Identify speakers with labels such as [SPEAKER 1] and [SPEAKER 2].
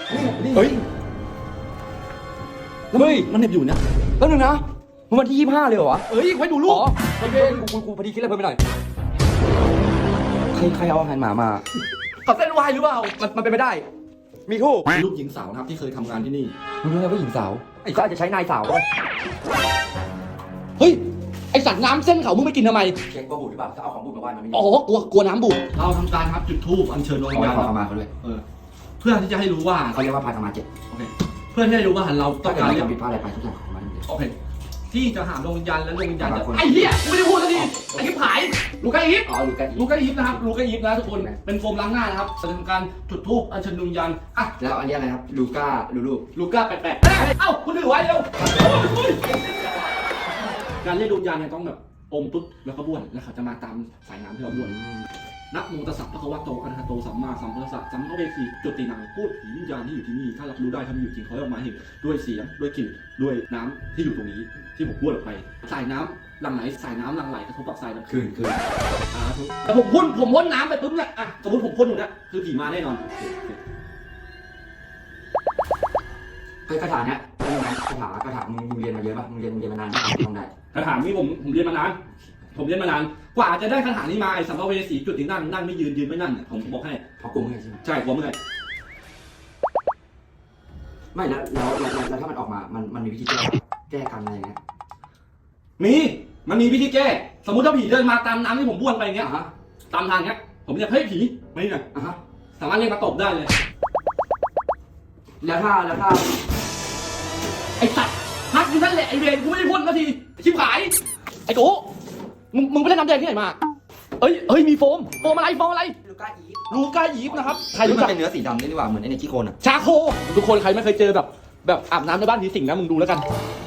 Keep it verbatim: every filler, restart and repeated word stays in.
[SPEAKER 1] เฮ้ยเฮ้ยมันเหน็บอยู่เนี่ยแป๊บนึงนะมันวันที่ยี่สิบห้าเลยเหรอวะเอ้ยไว้ดูลูกอ๋อโอเคกูกูกูพอดีคิดอะไรเพิ่มไปหน่อยใครใครเอาอาหารหมามาขับเส้นวายหรือเปล่ามันมันเป็นไม่ได้มีทูบลูกหญิงสาวนะครับที่เคยทำงานที่นี่รู้ไหมว่าหญิงสาวไอ้ก็อาจจะใช้นายสาวด้วยเฮ้ยไอสัตว์น้ำเส้นเขามึงไม่กินทำไมเช็คว่าบูดหรือเปล่าถ้าเอาของบูดมาไหว้มันไม่อ๋อกลัวกลัวน้ำบูดเราทำการครับจุดธูปอัญเชิญดวงวิญญาณมาเขาด้วยเออเพื่อที่จะให้รู้ว่าเขาเรียกว่าพาธรรมาเจ็ดโอเคเพื่อที่จะรู้ว่าเราต้องการทำผิดพลาดอะไรไปทุกอย่างของมันโอเคที่จะหาดวงวิญญาณและดวงวิญญาณไอ้เหี้ยกูไม่ได้พูดสักทีไอ้กิ๊บหายลูกาอีฟอ๋อลูกาอีฟลูกาอีฟนะครับลูกาอีฟนะทุกคนเป็นโฟมล้างหน้านะครับแสดงการจุดธูปอัญเชิญดวงวิญญาณอ่ะแล้วอันนี้อะไรครับลูก้าลูลูลูก้าแปดแปดเอ้าคุณถือไว้เร็วการเรียกดวงวิญญาณเนี่ยต้องแบบอมปุ๊บแล้วก็บ้วนแล้วเขาจะมาตามสายน้ำที่เราบ้วนนะโมตัสสะภะคะวะโตอะระหะโตสัมมาสัมพุทธัสสะสัมภเวสีจุตินังพูดผีวิญญาณที่อยู่ที่นี่ถ้ารับรู้ได้ถ้ามันอยู่จริงเขาออกมาเห็นด้วยเสียงด้วยกลิ่นด้วยน้ำที่อยู่ตรงนี้ที่ผมบ้วนออกไปสายน้ำหลั่งไหลสายน้ำหลั่งไหลกระทบกับสายน้ำคืนคืนอ่าแต่ผมพ่นผมพ่นน้ำไปปุ๊บเนี่ยอ่ะสมมติผมพ่นอยู่เนี่ยคือผีมาแน่นอนเคยคาถาเนี่ยคาถาคาถามึงมึงเรียนมาเยอะป่ะมึงเรียนมึงเรียนมานานป่ะทำได้คาถานี้ผมผมเรียนมานานผมเรียนมานานกว่าจะได้คาถานี้มาไอ้สัมภเวสีจุดที่นั่งนั่งไม่ยืนยืนไม่นั่งเนี่ยผมบอกให้เพราะกูไม่ใช่ใช่กูไม่ใช่ไม่แล้วแล้วแล้วถ้ามันออกมามันมันมีวิธีแก้แก้กรรมอะไรเงี้ยมีมันมีวิธีแก้สมมติถ้าผีเดินมาตามน้ำที่ผมบ้วนไปเงี้ยตามทางเงี้ยผมจะเฮ้ยผีไม่เนี่ยสามารถเรียกมาตบได้เลยแล้วถ้าแล้วถ้าไอ้สัตว์พักอยู่นั่นแหละไอ้เวรกูไม่ได้พ่นนาทีชิบหายไอ้โก้มึงมึงไปเล่นน้ำแดงที่ไหนมาเอ้ยเอ้ยมีโฟมโฟมอะไรโฟมอะไรลูก้าอีฟลูก้าอีฟนะครับใครรู้จักเป็นเนื้อสีดำนี่ดีกว่าเหมือนไอ้ในขี้โคลนอะชาโคทุกคนใครไม่เคยเจอแบบแบบอาบน้ำในบ้านผีสิงนะมึงดูแล้วกัน